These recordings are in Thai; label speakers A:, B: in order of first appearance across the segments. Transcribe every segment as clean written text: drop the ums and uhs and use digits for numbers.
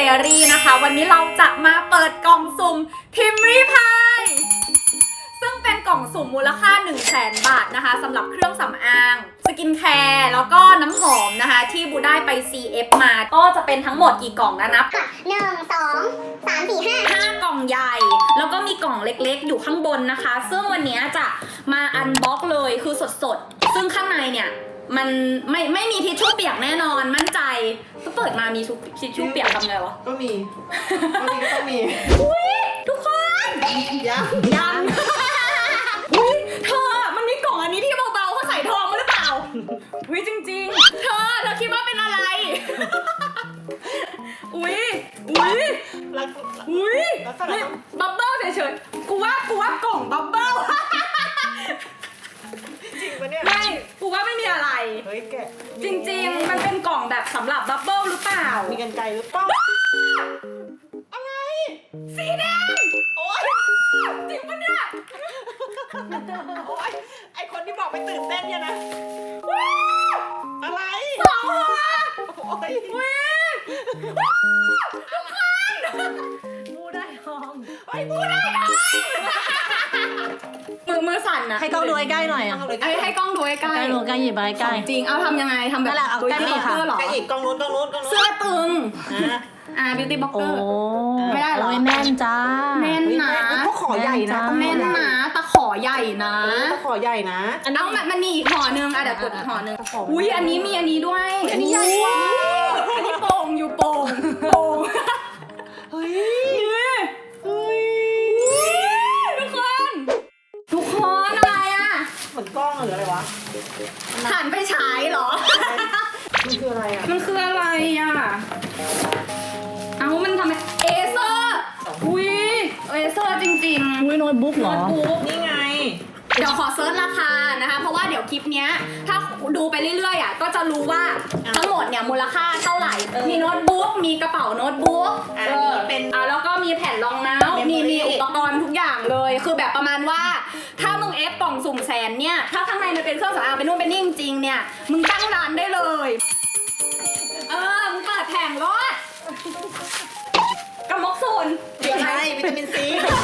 A: Diary นะคะวันนี้เราจะมาเปิดกล่องสุ่ม Timmy Pie ซึ่งเป็นกล่องสุ่มมูลค่า 100,000 บาทนะคะสำหรับเครื่องสำอางสกินแคร์แล้วก็น้ำหอมนะคะที่บูได้ไป CF มาก็จะเป็นทั้งหมดกี่กล่องนะนับ
B: 1 2 3 4
A: 5 กล่องใหญ่แล้วก็มีกล่องเล็กๆอยู่ข้างบนนะคะซึ่งวันนี้จะมาอันบ็อกเลยคือสดๆซึ่งข้างในเนี่ยมันไม่มีทิชชู่เปียกแน่นอนมั่นใจก็เปิดมามีทิชชู่เปียกทำไงวะ
C: ก็มีต้องมี
A: อุ้ยทุกคนยังอุ้ยเธอมันมีกล่องอันนี้ที่เบาๆเขาใส่ทองมาหรือเปล่าอุ้ยจริงๆเธอคิดว่าเป็นอะไรอุ้ยบับเบิ้ลเฉยๆกูว่ากล่องบับเบิ้ล
C: จริงปะเนี่ย
A: ไม่กูว่าไม่มีอะไร
C: เฮ้ยแก
A: จริงๆมันเป็นกล่องแบบสำหรับบับเบิ้ลหรือเปล่า
C: มีกรรไกรหรือเปล่า
A: อะไรสีแดงโอ๊ยจริงปะเนี่ย
C: โอ๊ยไอคนที่บอกไปตื่นเต้นเนี่ยนะอะไร
A: สองหัว
C: โอ๊ย
A: ทุกคน
C: มูได้ทอง
A: มูได้ทองมือสั่นนะ
D: ให้กล้องดูใกล้ๆหน่อยอ่ะ
A: ให้กล้องดูใกล้
D: ใกล้หยิบไปใกล้
A: จริงเอาทำยังไงทำแบบ
D: เอาใกล้ๆค่ะ
C: ใกล้อีกกล้องนู้น
A: เสื้อตึงบิวตี้บล็อกเกอร์ไม่ได้หรอ
D: แน่นจ้า
A: แน่นนะ
C: พวกขอใหญ่นะ
A: แน่นนะตะขอใหญ่นะ
C: ตะขอใหญ่นะ
A: เอามันมีอีกห่อนึงเดี๋ยวกดอีกห่อนึงอุ้ยอันนี้มีอันนี้ด้วย
C: อันนี้ใหญ่กว่า
A: อันนี้โป่งอยู่โป่ง
C: เฮ้ย
A: ทุกคนอะไรอ่ะ
C: เหมือนกล้องหรืออะไรวะ
A: หันไปฉายเหรอ
C: มันคืออะไรอ่ะ
A: เอามันทำไมเอเซอร์อุ้ยเอเซอร์จริงๆ
D: อุ้ยโน้ตบุ๊กเหรอ
C: นี่ไง
A: เดี๋ยวขอเซิร์ชราคานะคะเพราะว่าเดี๋ยวคลิปเนี้ยถ้าดูไปเรื่อยๆอ่ะก็จะรู้ว่าทั้งหมดเนี่ยมูลค่าเท่าไหร่มีโน้ตบุ๊กมีกระเป๋าโน้ตบุ๊ก
C: เป็น
A: แล้วก็มีแผ่นรองน้ำมีอุปกรณ์ทุกอย่างเลยคือแบบประมาณว่าถ้ามึงเอฟกล่องสุ่มแสนเนี่ยถ้าข้างในมันเป็นเครื่องสำอางเป็นนู่นเป็นนี่จริงๆเนี่ยมึงตั้งร้านได้เลยมึงเปิดแผงรถกระมกโซน
C: ใช่วิตามินซี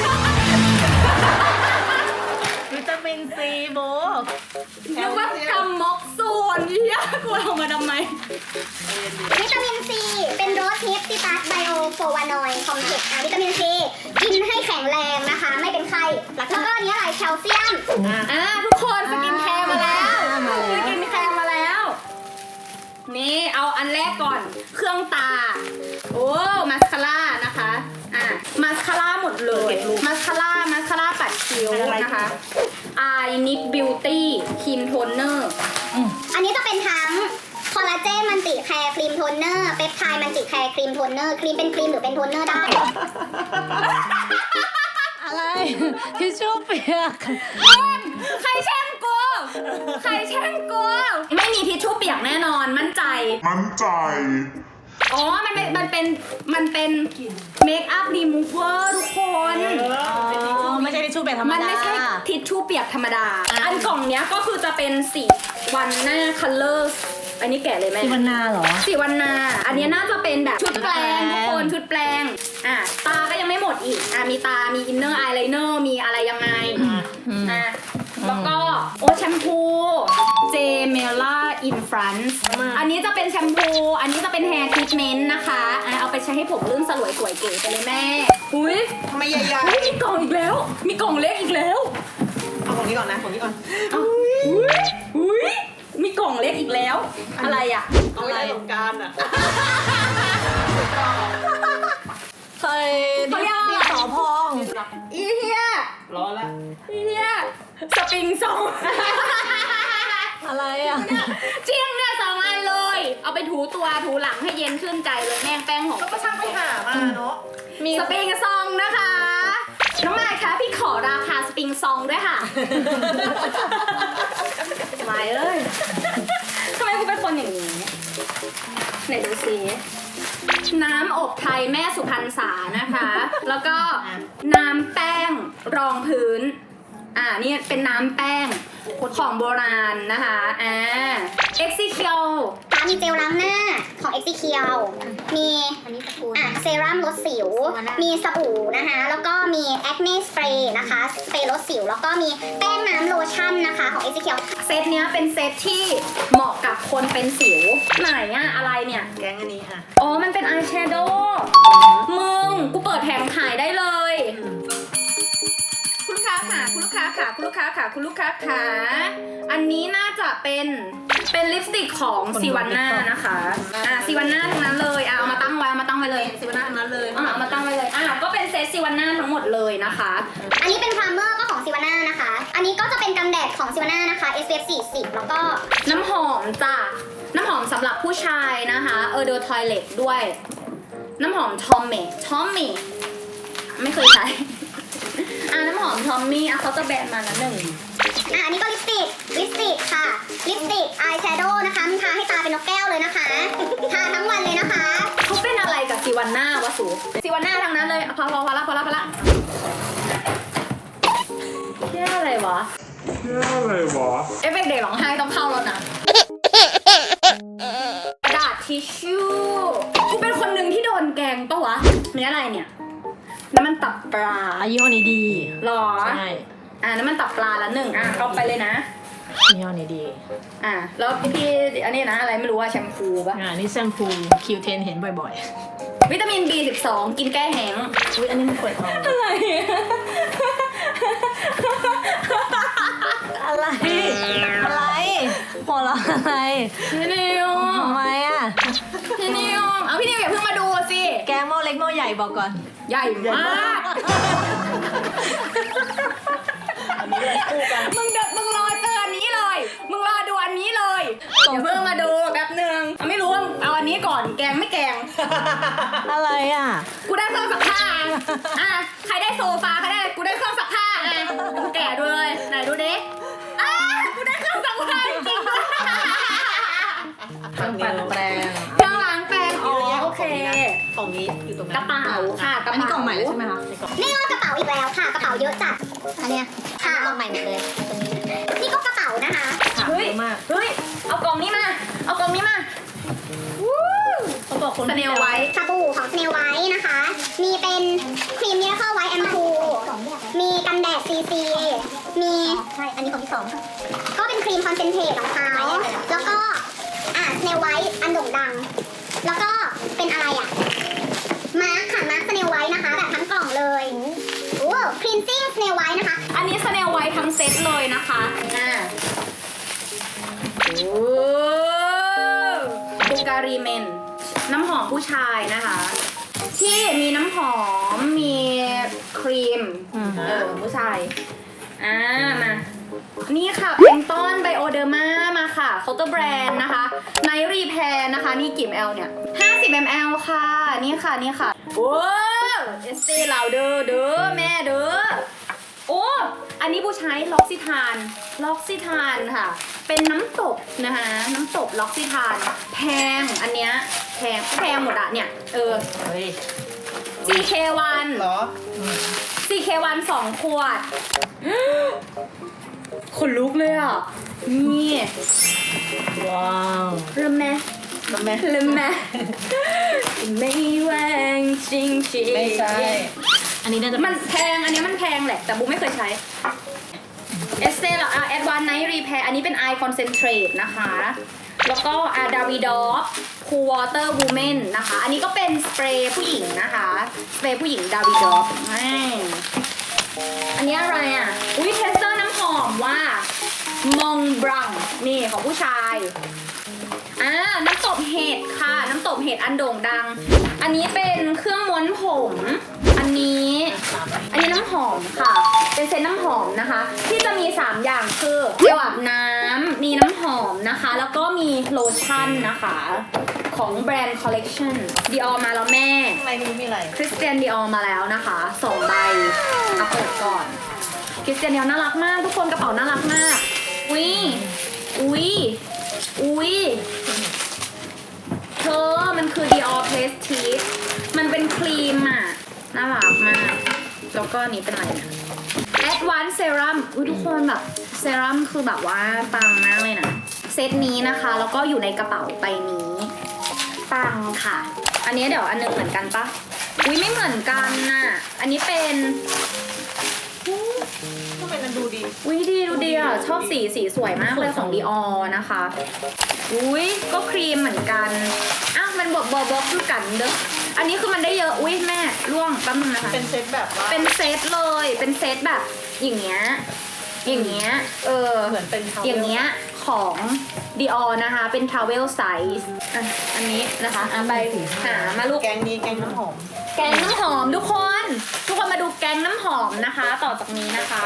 D: โบ
A: นึกว่ากำมกส่วนเนี่ยกูเอามาทำไม
B: วิตามินซีเป็นโรสฮิปซิตัสไบโอโฟวานอยด์คอมเพล็กซ์วิตามินซีกินให้แข็งแรงนะคะไม่เป็นไข้แล้วก็อันนี้อะไรแคลเซียม
A: ทุกคนสกินแคร์มาแล้วสกินแคร์มาแล้วนี่เอาอันแรกก่อนเครื่องตาโอ้มาสคาร่านะคะมาสคาร่าหมดเลยมาสคาร่าปัดคิ้วนะคะNick Beauty ครีมโทนเนอร์
B: อันนี้จะเป็นทั้งคอลลาเจนมันติแคร์ครีมโทนเนอร์เปปไทด์มันติแคร์ครีมโทนเนอร์ครีมเป็นครีมหรือเป็นโทนเนอร์ได้
D: อะไรทิชชู่เปียก
A: ใครแช่งกูไม่มีทิชชู่เปียกแน่นอนมั่นใจอ๋อมันเป็นเมคอัพรีมูเวอร์ทุกคน
D: ไม่ใช่ทิชชู่เปียกธรรมดา
A: มันไม่ใช่ทิชชู่เปียกธรรมดาอันกล่องเนี้ยก็คือจะเป็นสีวันหน้าคัลเลอร์อันนี้แกะเลยไหม
D: สีวันนาเหรอ
A: สีวันนาอันนี้น่าจะเป็นแบบชุดแปลงทุกคนชุดแปลงตาก็ยังไม่หมดอีกมีตามีอินเนอร์อายไลเนอร์มีอะไรยังไงแล้วก็แชมพูเจเมล่าอินฟรานซ์อันนี้จะเป็นแชมพูอันนี้จะเป็นแฮร์ทรีทเมนต์นะคะเอาไปใช้ให้ผมลื่นสลวยสวยเก๋ไปเลยแม่อุ้ย
C: ทำไมใหญ่
A: ๆมีกล่องอีกแล้วมีกล่องเล็กอีกแล้ว
C: เอาของนี้ก่อนนะ
A: อุ้ยมีกล่องเล็กอีกแล้วอะไรอ่ะ
C: เอาไว้ในสงกรานต์
D: เคยมีสอพอง
A: อีเฮีย
C: ร้อนละ
A: อีเฮียสปริงซอง
D: อะไรอ่ะ
A: จริงเนี่ย2 อันเลยเอาไปถูตัวถูหลังให้เย็นชื่นใจเลยแม่งแป้งหอม
C: ก็ช่างไปหามาเนาะ
A: มีสปริงซองนะคะน้องมายคะพี่ขอราคาสปริงซองด้วยค่ะมายเอ้ยทำไมกูเป็นคนอย่างนี้ไหนดูสิน้ำอบไทยแม่สุพรรณษานะคะแล้วก็น้ำแป้งรองพื้นนี่เป็นน้ำแป้งของโบราณนะคะExecual
B: การมีเจลล้างหน้าของ Exekiel มีเซรั่มลดสิว มีสบู่นะคะ แล้วก็มี Acne Spray นะคะสเปรย์ลดสิว แล้วก็มีแป้งน้ำโลชั่นนะคะของ Exekiel
A: เซตเนี้ยเป็นเซตที่เหมาะกับคนเป็นสิวไหนอะอะไรเนี่ย
C: แกงอันนี้ค่ะ
A: อ๋อมันเป็นอายแชโดว์มึงกูเปิดแผงขายได้เลยคุณลูกค้าค่ะคุณลูกค้าค่ะคุณลูกค้าค่ะคุณลูกค้าค่ะอันนี้น่าจะเป็นลิปสติกของซิวันน่านะคะซิวันน่าทั้งนั้นเลยเอามาตั้งไว้เอามาตั้งไว้เลย
C: สิบหน้าอันนั้นเลย
A: เอามาตั้งไว้เลยก็เป็นเซตซิวันน่าทั้งหมดเลยนะคะ
B: อันนี้เป็นพรามเมอร์ก็ของซิวาน่านะคะ อันนี้ก็จะเป็นกันแดดของซิวาน่านะคะ SPF 40 แล้วก็
A: น้ำหอมจ้ะน้ำหอมสำหรับผู้ชายนะคะเดอทอยเลตด้วย น้ำหอมทอมมี่ไม่เคยใช้ น้ำหอมทอมมี่เขาจะแบนมานะหนึ่ง
B: อันนี้ก็ลิปสติกค่ะ ลิปสติกอายแชโดว์นะคะมันทาให้ตาเป็นนกแก้วเลยนะคะ ทาทั้งวันเลยนะคะ
A: เขาเป็นอะไรกับซิวันน่าวะสูซิวันน่าทั้งนั้นเลยพอละเที่ยอะไรวะเอฟเฟกต์เด็กร้องไห้ต้องเข้าแล้วนะกระดาษทิชชู่กูเป็นคนหนึ่งที่โดนแกล้งปะวะมีอะไรเนี่ยน้ำมันตับปลา
D: ยี่ห้อนี้ดี
A: หรอ
D: ใช่
A: น้ำมันตับปลาละหนึ่งเอาไปเลยนะ
D: ยี่ห้อนี้ดี
A: แล้วพี่อันนี้นะอะไรไม่รู้ว่าแชมพูปะ
D: นี่แชมพู Q10 เห็นบ่อย
A: วิตามิน B12 กินแก้แห้ง
D: ๆอุ้ยอันนี้มันเปิดทอง
A: อะไร
D: อะไรหัวเราะอะไร
A: พี่นิว
D: ทำไมอ่ะ
A: พี่นิวพี่นิวอย่าเพิ่งมาดูสิ
D: แกงหม้อเล็กหม้อใหญ่บอกก่อน
A: ใหญ่มาก
C: อันนี้เลยคู่กัน
A: มึงรอเจออันนี้เลย มึงรอดูอันนี้เลยอย่าเพิ่งมาดูแป๊บนึงไม่รู้ว่าเอาอันนี้ก่อนแกงไม่แกง
D: อะไรอ่ะ
A: กูได้เครื่องซักผ้าใครได้โซฟาใครได้กูได้เครื่องซักผ้ากูแกะด้วย ไหนดูดิกูได้เครื่องซักผ้าจริงๆ
D: เครื่องปั่นแปลง
A: เครื่องล้างแปรงโอเค
C: ของนี้อยู่ตรงนั้น
A: กระเป๋าค่ะกระ
D: อันนี้
A: เป๋าก
D: ล่องใหม่เลยใช่ไหมคะในกล่อง
B: นี่ก็กระเป๋าอีกแล้วค่ะ กระเป๋าเยอะจัด อันเนี้ยค่ะลองใหม่หมดเลยตรงนี้ นี่ก็กระเป๋านะคะ
A: เฮ้ย
D: เยอะมาก
A: เฮ้ยเอากล่องนี้มาวู้
D: เขาบอกคน
A: สเนลไว้
B: สบู่ของสเนลไวท์นะคะ มีเป็นครีมเนียร์เข้าไวท์แอมพูมีกันแดด CC มีใช่ อันนี้ของที่สองก็เป็นครีมคอนเซนเทรตของเขาแล้วก็สเนลไวท์อันโด่งดัง แล้วก็เป็นอะไรมาร์คค่ะ มาร์คสเนลไวท์นะคะ แบบทั้งกล่องเลยโอ้ครีนซิ่งสเนลไวท์นะคะ
A: อันนี้สเนลไว้ทั้งเซตเลยนะคะบูการีเมนน้ำหอมผู้ชายนะคะ ที่มีน้ำหอมมีครีมผู้ชายมานี่ค่ะเป็นต้นไบโอเดอร์มามาค่ะเคาน์เตอร์แบรนด์นะคะไนท์รีแพร์นะคะนี่กี่ ml เนี่ย50 ml ค่ะนี่ค่ะโอ้เอสเต้เหล่าเด้อแม่เด้อโอ้อันนี้ผู้ใช้ล็อกซิทานค่ะ เป็นน้ำตบนะคะน้ำตบล็อกซิทานแพงอันเนี้ยแพงหมดอะเนี่ย
D: เฮ้ย
A: CK1
C: เหรอ
A: CK1 2 ขวดขนลุกเลยอ่ะนี่
D: ว้าว
A: เริ่มแม่ไม่แหวงจริง
C: ไม่ใช่
D: อันนี้น่าจะ
A: มันแพงอันนี้มันแพงแหละแต่บุ๊กไม่เคยใช้เอสเซ่ละAdvanced Night Repair อันนี้เป็น Eye Concentrate นะคะ แล้วก็Davidoff Cool Water Woman นะคะ อันนี้ก็เป็นสเปรย์ผู้หญิงนะคะสเปรย์ผู้หญิง Davidoff อันนี้อะไรอุ้ยเทสเตอร์น้ำหอมว่ามองบรังนี่ของผู้ชายน้ำตบเห็ดค่ะน้ำตบเห็ดอันโด่งดัง อันนี้เป็นเครื่องม้วนผมอันนี้น้ำหอมค่ะเป็นเซตน้ำหอมนะคะที่จะมี 3 อย่างคือเจลอาบน้ำมีน้ำหอมนะคะแล้วก็มีโลชั่นนะคะของแบรนด์ Collection Dior มาแล้วแม่
C: ข้างในนี้มีอะไร
A: Christian Dior มาแล้วนะคะ2 ใบเอาเปิดก่อน Christian Dior น่ารักมากทุกคนกระเป๋าน่ารักมากอุ้ยเธอมันคือ Dior Prestige มันเป็นครีมน่ารักมากแล้วก็นี้เป็นอะไรเนี่ย Advanced Serum ทุกคนแบบเซรั่มคือแบบว่าปังมากเลยนะเซตนี้นะคะแล้วก็อยู่ในกระเป๋าใบนี้ปังค่ะ อันนี้เดี๋ยวอันนึงเหมือนกันปะอุ้ยไม่เหมือนกันน่ะอันนี้เป็น
C: ทำไมมันดูดี
A: อุ้ยดีดูดีอ่ะชอบสีสวยมากเลยของ Dior นะคะอุ้ยก็ครีมเหมือนกันอ้าวมันบอกคือกันเด้ออันนี้คือมันได้เยอะอุ้ยแม่ร่วงแป๊บนึงนะคะ
C: เป็นเซตแบบว่า
A: เป็นเซตเลยเป็นเซตแบบอย่างเงี้ย
C: เหมือนเป็น
A: อย่างเงี้ยของ Dior นะคะเป็น travel size อ่ะอันนี้นะคะอ่ะไปหามาลูก
C: แกงนี้แกงน้ำหอม
A: แกงน้ำหอมทุกคนมาดูแกงน้ำหอมนะคะ ต่อจากนี้นะคะ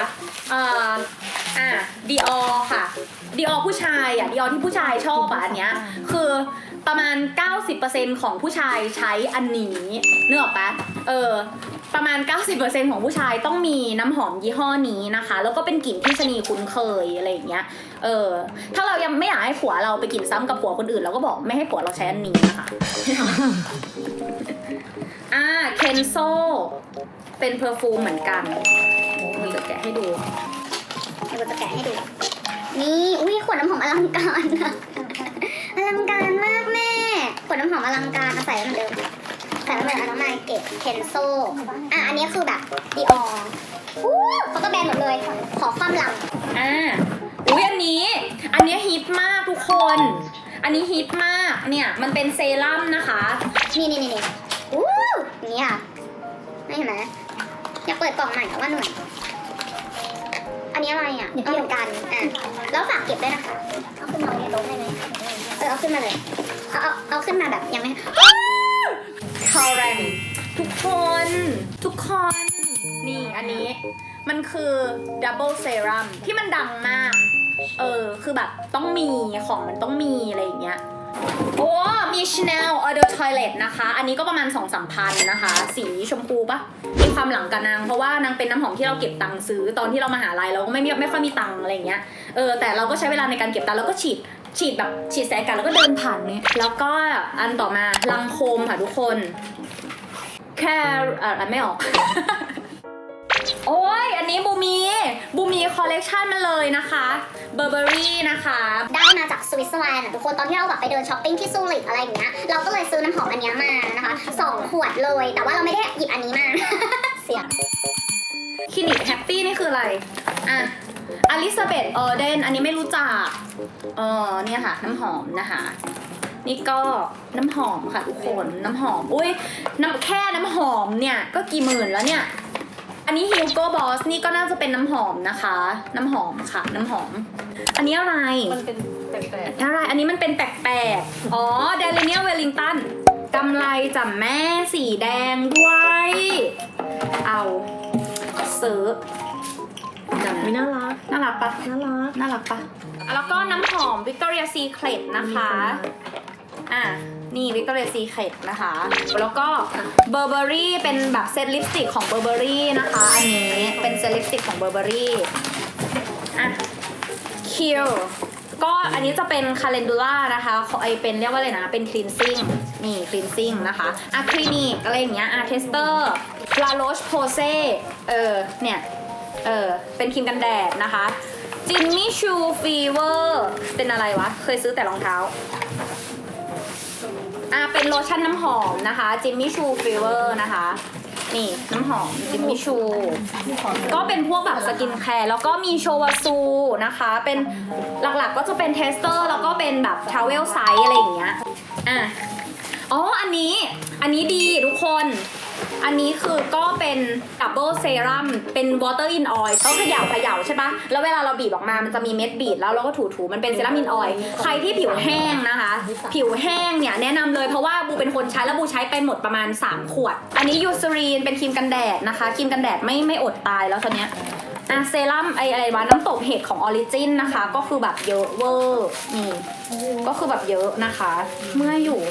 A: Dior ค่ะ Dior ผู้ชายอ่ะ Dior ที่ผู้ชายชอบอ่ะอันเนี้ยคือประมาณ 90% ของผู้ชายใช้อันนี้นึกออกปะประมาณ 90% ของผู้ชายต้องมีน้ำหอมยี่ห้อนี้นะคะแล้วก็เป็นกลิ่นที่ชะนีคุ้นเคยอะไรอย่างเงี้ยถ้าเรายังไม่อยากให้ผัวเราไปกลิ่นซ้ำกับผัวคนอื่นเราก็บอกไม่ให้ผัวเราใช้อันนี้นะคะ เคนโซเป็นเพอร์ฟูมเหมือนกันโอ้ยจะแกะให้ดู
B: เราจะแกะให้ดูนี่อุ้ยขวดน้ำหอมอลังการอะอลังการมากแม่ขวดน้ำหอมอลังการใส่เหมือนเดิมใส่เหมือนน้ำมันเก็บเคนโซอันนี้คือแบบดีออเขาก็แบนหมดเลยขอความลัง
A: อุ้ยอันนี้ฮิตมากทุกคนอันนี้ฮิตมากเนี่ยมันเป็นเซรั่มนะคะ
B: นี่นี่ค่ะไม่เห็นไหมอยากเปิดกล่องใหม่ว่าหน่วยอันนี้อะไรอ่ะเอาเหมือนกันแล้วฝากเก็บด้วยนะคะเอาขึ้นมาเลยโต๊ะได้ไหมเอาขึ้นมาเลยเอาขึ้นมาแบบยังไม่
A: คอแรงทุกคนนี่อันนี้มันคือดับเบิลเซรั่มที่มันดังมากคือแบบต้องมีของมันต้องมีอะไรอย่างเงี้ยโอ้มี Chanel Eau de Toilette นะคะอันนี้ก็ประมาณ 2-3 พันนะคะสีชมพูปะมีความหลังกับนางเพราะว่านางเป็นน้ำหอมที่เราเก็บตังค์ซื้อตอนที่เรามหาลัยเราก็ไม่ค่อยมีตังค์อะไรอย่างเงี้ยแต่เราก็ใช้เวลาในการเก็บตังค์แล้วก็ฉีดแบบฉีดใส่อากาศแล้วก็เดินผ่านเนี่ยแล้วก็อันต่อมาลังโคมค่ะทุกคนแค่ไม่ออก โอ้ยอันนี้บูมีคอลเลกชันมาเลยนะคะเบอร์เบอรี่นะคะ
B: ได้มาจากสวิตเซอร์แลนด์ทุกคนตอนที่เราแบบไปเดินช้อปปิ้งที่ซูริกอะไรอย่างเงี้ยเราก็เลยซื้อน้ำหอมอันนี้มานะคะ2 ขวดเลยแต่ว่าเราไม่ได้หยิบอันนี้มา เสีย
A: คลินิกแฮปปี้นี่คืออะไรอลิซาเบธออเดนอันนี้ไม่รู้จักเนี่ยค่ะน้ำหอมนะคะนี่ก็น้ำหอมค่ะทุกคนน้ำหอมอุ้ยแค่น้ำหอมเนี่ยก็กี่หมื่นแล้วเนี่ยอันนี้ Hugo Boss นี่ก็น่าจะเป็นน้ำหอมนะคะน้ำหอมค่ะน้ำหอมอันนี้อะไร
C: มันเป็นแปลก
A: ๆอะไรอันนี้มันเป็นแปลกๆอ๋อ Daniel Wellington กำไรจ่ำแม่สีแดงด้วยเอาซื้อ
D: ไม่น่ารัก
A: ปะน่ารักปะแล้วก็น้ำหอม Victoria Secret นะคะนี่ Victoria Secret นะคะแล้วก็ Burberry เป็นแบบเซตลิปสติกของ Burberry นะคะอันนี้เป็นเซตลิปสติกของ Burberry Kill ก็อันนี้จะเป็น Calendula นะคะเป็นเรียกว่าอะไรนะเป็น cleansing นี่ cleansing นะคะคลินิกอะไรอย่างเงี้ยTester La Roche Posayเนี่ยเป็นครีมกันแดดนะคะ Jimmy Choo Fever เป็นอะไรวะเคยซื้อแต่รองเท้าเป็นโลชั่นน้ำหอมนะคะ Jimmy Choo Fever นะคะนี่น้ำหอม Jimmy Choo ก็เป็นพวกแบบสกินแคร์แล้วก็มีโชวาซูนะคะเป็นหลักๆก็จะเป็นเทสเตอร์แล้วก็เป็นแบบทราเวลไซส์อะไรอย่างเงี้ยอันนี้ดีทุกคนอันนี้คือก็เป็นดับเบิลเซรั่มเป็น water in oil ต้องเขย่าใช่ปะแล้วเวลาเราบีบออกมามันจะมีเม็ดบีบแล้วเราก็ถูมันเป็นเซรั่ม in oil ใครที่ผิวแห้งนะคะผิวแห้งเนี่ยแนะนำเลยเพราะว่าบูเป็นคนใช้แล้วบูใช้ไปหมดประมาณ3 ขวดอันนี้ยูซรีนเป็นครีมกันแดดนะคะครีมกันแดดไม่อดตายแล้วตอนเนี้ยเซรั่มอะไรวะน้ำตกเห็ดของออริจินนะคะก็คือแบบเยอะเวอร์นี่ก็คือแบบเยอะนะคะเมื่ออยู่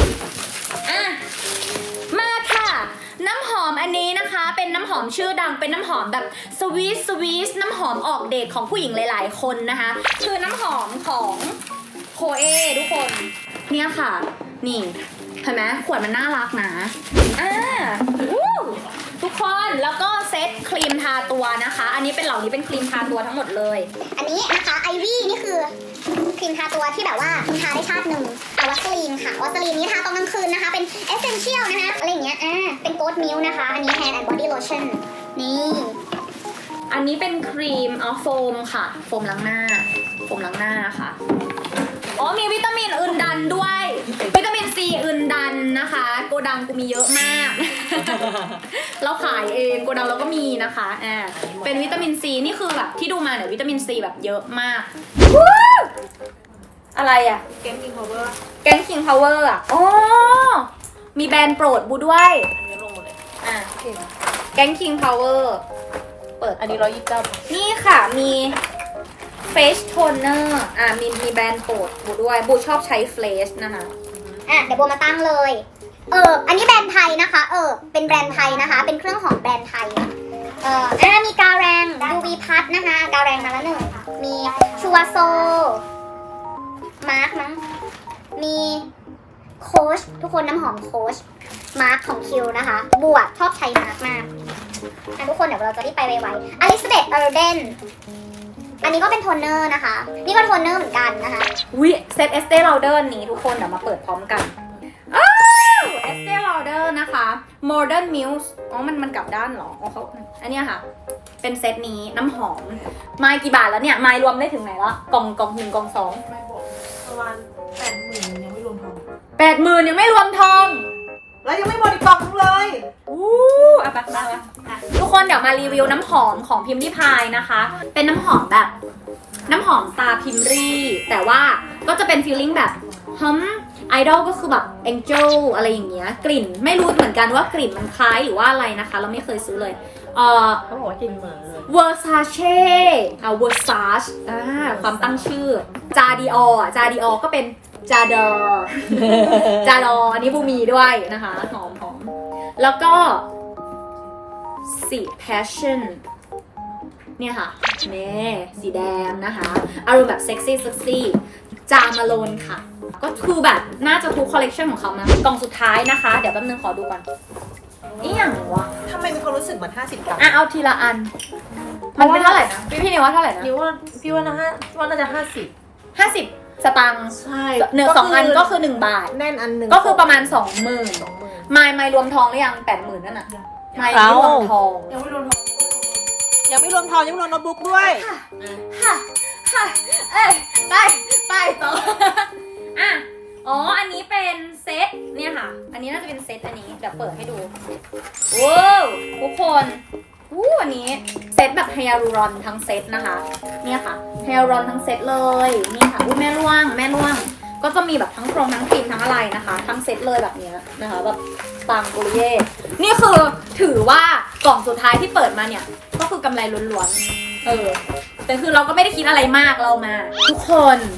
A: มาค่ะน้ำหอมอันนี้นะคะเป็นน้ำหอมชื่อดังเป็นน้ำหอมแบบสวีทน้ำหอมออกเดทของผู้หญิงหลายๆคนนะคะคือน้ำหอมของโคเอทุกคนเนี่ยค่ะนี่เห็นไหมขวดมันน่ารักนะทุกคคนแล้วก็เซตครีมทาตัวนะคะ อันนี้เป็นเหล่านี้เป็นครีมทาตัวทั้งหมดเลย
B: อันนี้นะคะไอวี่นี่คือครีมทาตัวที่แบบว่าคุณทาได้ชาติหนึ่งแต่วัสลีนค่ะวัสลีนนี้ทาตอนกลางคืนนะคะ เป็นเอสเซนเชียลนะคะอะไรอย่างเงี้ยเป็นโกลด์มิลค์นะคะ อันนี้ Hand and Body Lotion นี่
A: อันนี้เป็นครีมโฟมค่ะโฟมล้างหน้านะคะอ๋อมีวิตามินอื่นดันด้วยวิตามินซีอื่นดันนะคะโกดังกูมีเยอะมาก เราขายเองโกดังเราก็มีนะคะเป็นวิตามินซีนี่คือแบบที่ดูมาเนี่ยวิตามินซีแบบเยอะมากอะไรอ่ะ
C: เกมคิงพาวเวอร์
A: แก๊งคิงพาวเวอร์อ่ะอ๋อมีแบรนด์โปรดบูด้วย
C: อันนี้ลงหมดเลย
A: แก๊งคิงพาวเวอร์เปิด
D: อันนี้129
A: นี่ค่ะมีเฟสโทนเนอร์มีแบรนด์โปรดบูด้วยบูชอบใช้เฟสนะคะ
B: เดี๋ยวโบมาตั้งเลย อันนี้แบรนด์ไทยนะคะ เป็นแบรนด์ไทยนะคะ เป็นเครื่องหอมแบรนด์ไทย มีกาแรง UV พัทนะคะ กาแรงมาแล้วหนึ่ง มีชัวโซ มาร์คมั้ง มีโค้ชทุกคนน้ำหอมโค้ชมาร์คของคิวนะคะ บวกชอบใช้มาร์คมากทุกคนเดี๋ยวเราจะรีบไปไวๆอลิซาเบธเออร์เดน อันนี้ก็เป็นโทนเนอร์นะคะ นี่ก็โทนเนอร์เหมือนกันนะคะ
A: วิเซตเอสเต e ล a เดอร์นี้ทุกคนเดี๋ยวมาเปิดพร้อมกันอ้าวเอสเต e ล a เดอร์นะคะ Modern Muse อ๋อมันกลับด้านเหรออ๋อเขาอันเนี้ยค่ะ เป็นเซตนี้น้ำหอมไมล์กี่บาทแล้วเนี่ยไมล์รวมได้ถึงไหนละกล่อง1กล่อง2
C: ไม่บอกประมาณ80,000ยังไม่รวมทอง
A: 80,000ยังไม่รวมทอง
C: แล้วยังไม่หมดอีกกล่องนึงเลย
A: อ่ะไปทุกคนเดี๋ยวมารีวิวน้ำหอมของพิมพ์ริพายนะคะ เป็นน้ำหอมแบบน้ำหอมตาพิมพ์รีแต่ว่าก็จะเป็นฟีลลิ่งแบบไอดอลก็คือแบบแองเจิลอะไรอย่างเงี้ยกลิ่นไม่รู้เหมือนกันว่ากลิ่นมันคล้ายหรือว่าอะไรนะคะ เราไม่เคยซื้อเลย
C: เขาบอกว่ากินเหมือนเลย
A: Versace Versace ความตั้งชื่อจาดีออก็เป็นจาดอ จาดออันนี้บูมีด้วยนะคะหอมแล้วก็สี passion เนี่ยค่ะนี่สีแดงนะคะอารมณ์แบบเซ็กซี่จามาโลนค่ะ ก็คือแบบน่าจะทุกคอลเลกชันของเขานะกล่องสุดท้ายนะคะ เดี๋ยวแป๊บนึงขอดูก่อนนี่อย่างวะ
C: ทำไมมีความรู้สึกเหมือน50 กรัม
A: เอาทีละอัน มันเป็นเท่าไหร่นะพี่นิวว่าเท่าไหร่นะ
C: พี่ว่าน่าจะ50
A: 50 สตางค์
C: ใช่
A: เนื้อ2อันก็คือ1 บาท
C: แน่นอันหนึ่ง
A: ก็คือประมาณ 20,000ไม่รวมทองหรือยัง 80,000นั่นน่ะไม่รวมทอง
C: ยังไม่รวมทองยังไม่รวมโน้ตบุ๊กด้วย
A: ค่ะไปต่ออันนี้เป็นเซตเนี่ยค่ะ อันนี้น่าจะเป็นเซตอันนี้เดี๋ยวเปิดให้ดูว้าวทุกคนอันนี้เซตแบบไฮยาลูรอนทั้งเซตนะคะเนี่ยค่ะไฮยาลูรอนทั้งเซตเลยนี่ค่ะแม่ล่วงก็จะมีแบบทั้งโครงทั้งครีมทั้งอะไรนะคะทั้งเซตเลยแบบเนี้ยนะคะแบบปังกุริเย่นี่คือถือว่ากล่องสุดท้ายที่เปิดมาเนี่ยก็คือกำไรล้วนๆแต่คือเราก็ไม่ได้คิดอะไรมากเรามาทุกคน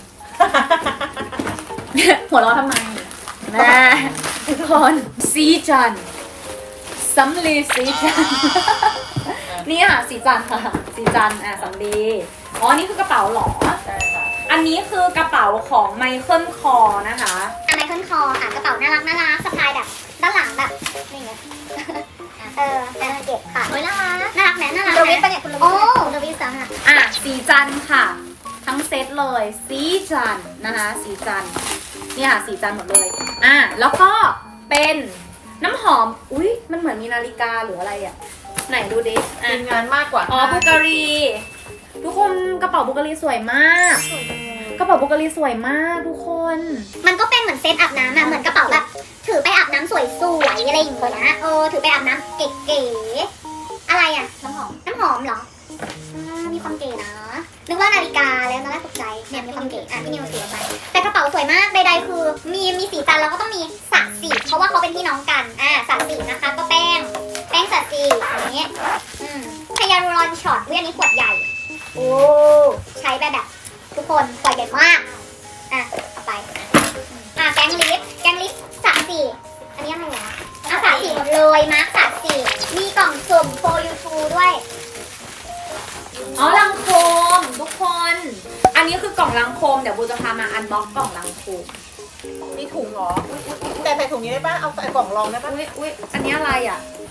A: หัวเราะทำไมนะทุกคนสีจันสำลีสีจัน นี่ค่ะสีจันค่ะสีจันสำลีนี่คือกระเป๋าหรอ
C: ใช่ค่ะ
A: อันนี้คือกระเป๋าของไมเคิลคอนะคะ
B: ไมเคิลคอค่ะกระเป๋าน่ารักสะพายแบบด้านหลังแบบนี่ไงน่าเก็บค่ะน่ารักแหมน่ารัก
D: คุณดวิดปะเนี่ยคุณดวิด
B: โอ้คุณดวิดซ้ำอ่ะ
A: สีจันค่ะ ทั้งเซตเลยสีจันนะคะสีจันนี่ค่ะสีจันหมดเลยแล้วก็เป็นน้ำหอมอุ๊ยมันเหมือนมีนาฬิกาหรืออะไรอ่ะไหนดูดิ
C: มีงานมากกว่า
A: บูการีทุกคนกระเป๋าบูการีสวยมากกระเป๋าบูการีสวยมากทุกคน
B: มันก็เป็นเหมือนเซตอาบน้ำอะเหมือนกระเป๋าแบบถือไปอาบน้ำสวยๆอะไรอย่างเงี้ยนะถือไปอาบน้ำเก๋ๆอะไรอะน้ำหอมเหรอมีความเก๋นะนึกว่านาฬิกาแล้วนะตกใจเนี่ยมีความเก๋พี่นิวเสียไปแต่กระเป๋าสวยมากใดๆคือมีสีจันแล้วก็ต้องมีสระสีเพราะว่าเขาเป็นพี่น้องกันสระสีนะคะก็แป้งสระสีอย่างเงี้ยไฮยาลูรอนช็อตอันนี้ขวดใหญ่โอ้ใช้แบบทุกคนขวดใหญ่มากเอาไปแกงลิฟสระสีอันนี้อะไรวะสระสีหมดเลยมาร์คสระสีมีกล่องสุ่มโฟยูทูด้วย
A: ลังโคมทุกคน อันนี้คือกล่องลังโคมเดี๋ยวบูจะพามาอันบ็อกกล่องลังโคม
C: มีถุงเหรอแต่ใส่ถุงนี้ได้ป่ะเอาใส่กล่องรองได้ป่ะ
A: อุ๊ยอันนี้อะไรอ่ะ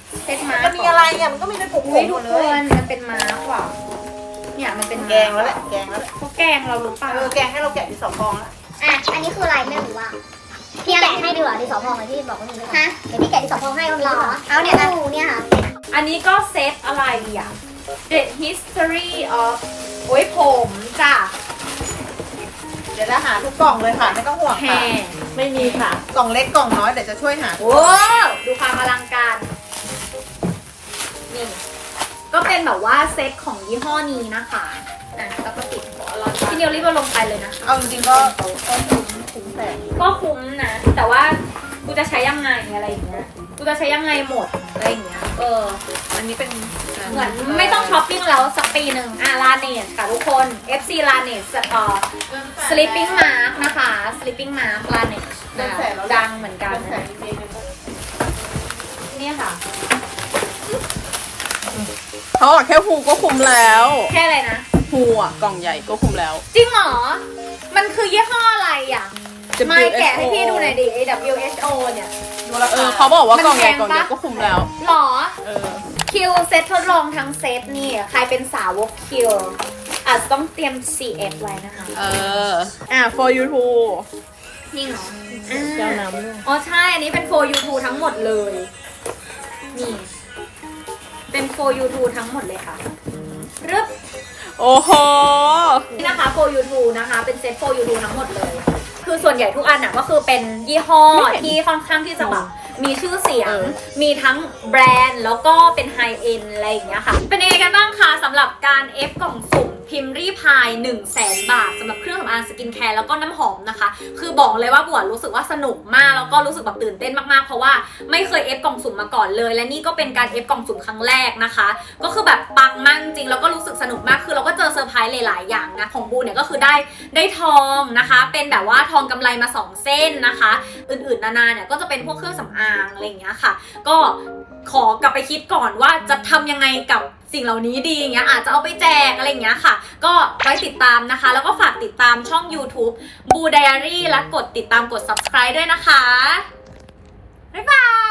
A: เซตมาร์
C: มันมีอะไรอ่ะมันก็มีเป็นผง
A: อุ้ย
C: หม
A: ทุ
C: ด
A: ก
C: เล
A: ค
C: ย
A: นมันเป็นมาร์กว่ะเนี่ยมันเป็น
C: แกงแล้วแหละแกงแล้วแหละ
A: เขาแกงเราหรือเปล่า
C: แกงให้เราแกะที่2 ฟองแล้ว
B: อ่ะ อันนี้คืออะไรไม่รู้ว่าพี่แกะให้ดีกว่าดิสอพองเลยที่บอกว่ามีด้วยฮะเดี๋ยวพี่แกะดิสอพองให้ว่ามีด้วยเอาเนี่ยนะเนี่ยค่ะ
A: อันนี้ก็เซตอะไรอ่ะ The History of โอ้ยผมจ้ะ
C: เดี๋ยวจะหาทุกกล่องเลยค่ะไม่ต้องห่วง
A: แฮ
C: ค่ะ
D: ไม่มีค่ะ
C: กล่องเล็กกล่องน้อยเดี๋ยวจะช่วยหา
A: โอ้ดูความอลังการนี่ก็เป็นแบบว่าเซตของยี่ห้อนี้นะคะอ่ะแล้วก็ติดพี่นิวรีบเอาลงไปเลยนะ
C: เอาจริงๆก็คุ้มแสน
A: ก็คุ้มนะ แต่ว่ากูจะใช้ยังไงอะไรอย่างเงี้ยกูจะใช้ยังไงหมดอะไรอย่างเงี้ย
C: อันนี้เป็น
A: เหมือนไม่ต้องช้อปปิ้งแล้วสักปีหนึ่งลาเนสค่ะทุกคน FC ลาเนสsleeping mask นะคะ sleeping mask ลาเนสดังเหมือนกันนะนี่ค่ะ
D: เขาบอกแค่ฮูก็คุ้มแล้ว
A: แค่อะไรนะ
D: ฮูอ่ะกล่องใหญ่ก็คุ้มแล้ว
A: จริงเหรอ มันคือยี่ห้ออะไรอ่ะ
D: WHO
A: ไม่แกะให้พี่ดูหน่อยดิ WHO เนี่ย
D: เขาบอกว่ากล่องใหญ่กล่องเดียวก็คุ้มแล้ว
A: หรอ
D: เออ
A: คิวเซตทดลองทั้งเซตนี่ ใครเป็นสาวกคิวอาจจะต้องเตรียม CF ไว้นะคะ
D: for you too
A: นี่เหรอ
D: แก้วน้ำด้วย
A: อ๋อใช่ อันนี้เป็น for you two ทั้งหมดเลย นี่ เป็น for you two ทั้งหมดเลยค่ะรึบ
D: โอ้โห
A: นี่นะคะ for you two นะคะ เป็นเซต for you two ทั้งหมดเลย คือส่วนใหญ่ทุกอันน่ะก็คือเป็นยี่ห้อที่ค่อนข้างที่จะแบบมีชื่อเสียง มีทั้งแบรนด์แล้วก็เป็นไฮเอ็นอะไรอย่างเงี้ยค่ะ เป็นยังไงกันบ้างคะสำหรับการเอฟกล่องสุ่มพิมพ์รีพาย 100,000 บาทสำหรับเครื่องสำอางสกินแคร์แล้วก็น้ำหอมนะคะ คือบอกเลยว่าบัวรู้สึกว่าสนุกมากแล้วก็รู้สึกแบบตื่นเต้นมากๆเพราะว่าไม่เคยเอฟกล่องสุ่มมาก่อนเลย และนี่ก็เป็นการเอฟกล่องสุ่มครั้งแรกนะคะ ก็คือแบบปังมากจริงแล้วก็รู้สึกสนุกมากคือเราก็เจอเซอร์ไพรส์หลายๆอย่างนะของบูเนี่ยก็คือได้ทองนะคะ เป็นแบบว่าทองกำไรมา2 เส้นนะคะ อื่นๆนานาเนี่ยก็จะเป็นพวกเครื่องสำอางอะไรอย่างเงี้ยค่ะ ก็ขอกลับไปคิดก่อนว่าจะทำยังไงกับสิ่งเหล่านี้ดีอย่างเงี้ยอาจจะเอาไปแจกอะไรอย่างเงี้ยค่ะ ก็ไว้ติดตามนะคะ แล้วก็ฝากติดตามช่อง YouTube Boo Diary และกดติดตามกด subscribe ด้วยนะคะบ๊ายบาย